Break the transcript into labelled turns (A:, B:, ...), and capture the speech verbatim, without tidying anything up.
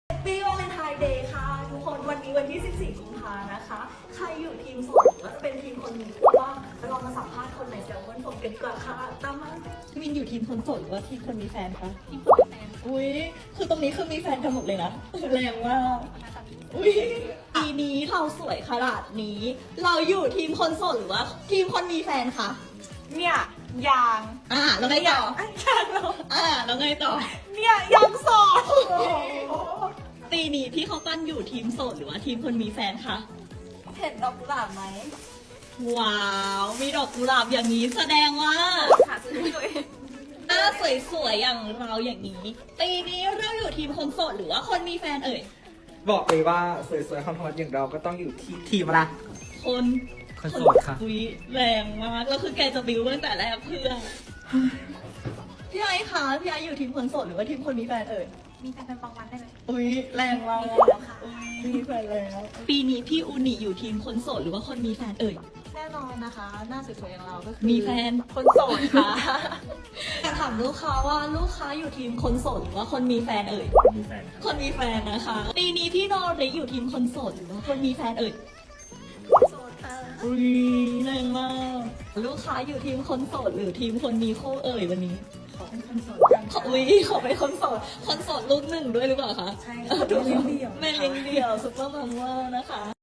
A: Happy Valentine Day ค่ะทุกคนวันนี้วันที่ สิบสี่ กุมภานะคะ ใครอยู่ทีมโสดหรือว่าจะเป็นทีมคนมีคู่บ้างเรามาสัมภาษณ์คนในแซลมอนโฟนกันดีกว่าค่ะตามมามินอยู่ทีมคนโสดหรือว่าทีมคนมีแฟนคะทีมคนมีแฟนอุ้ยคือตรงนี้คือมีแฟนกันหมดเลยนะแรงมากอุ้ยปีนี้เราสวยขนาดนี้ เราอยู่ทีมคนโสดหรือว่าทีมคนมีแฟนคะ
B: เนี่ยยาง
A: อ่าแล้วไงต่อ
B: ยางเหรอ
A: อ่าแล้วไงต่อ
B: เนี่ยยางสอง
A: ปีนี้พี่เขาปั้นอยู่ทีมโสดหรือว่าทีมคนมีแฟนคะ
B: เห็นดอกกุหลาบไหม
A: ว้าว มีดอกกุหลาบอย่างนี้แสดงว่า
B: หาซื้อให้ตัวเอง
A: หน้าสวยๆอย่างเราอย่างนี้ ปีนี้เราอยู่ทีมคนโสดหรือว่าคนมีแฟนเอ่ย
C: บอกเลยว่าสวยๆฮอตๆอย่างเราก็ต้องอยู่ที่ทีมอะไร
A: คน
C: คนโสดค่ะ
A: อุ๊ยแรงมากแล้วคือแกจะบิวตั้งแต่แรกเพื่อพี่ไอ้คะพี่ไอ้อยู่ทีมคนโสดหรือว่าทีมคนมีแฟนเอ่ย
B: มีแฟนเป็นบางวันได้ไหม
A: อุ้ยแรงมาก
B: มีแฟนแล้วค่ะ
A: อุ๊ยมีแฟนแล้ว ปีนี้พี่อูนิอยู่ทีมคนโสดหรือว่าคนมีแฟนเอ่ย
B: แน่นอนนะคะ หน้าสวยๆอย่างเราก็คือ
A: มีแฟน
B: คนโสดค่ะ
A: อยากถามลูกค้าว่าลูกค้าอยู่ทีมคนโสดหรือว่าคนมีแฟนเอ่ย
C: มีแฟนครับ
A: คนมีแฟนนะคะ ปีนี้พี่โนริอยู่ทีมคนโสดหรือว่าคนมีแฟนเอ่ย
B: โสดค่ะ
A: อุ้ยแรงมาก ลูกค้าอยู่ทีมคนโสดหรือทีมคนมีคู่เอ่ยวันนี้
B: ขอเป็นคนโสดกัน
A: ขออุ้ยขอเป็นคนโสด คนโสดลูกหนึ่งด้วยหรือเปล่าคะ
B: ใช่ค่ะ
A: ถูก
B: แม่เลี้ยงเดี่ยว
A: แม่เลี้ยงเดี่ยวซุปเปอร์มัมเวอร์นะคะ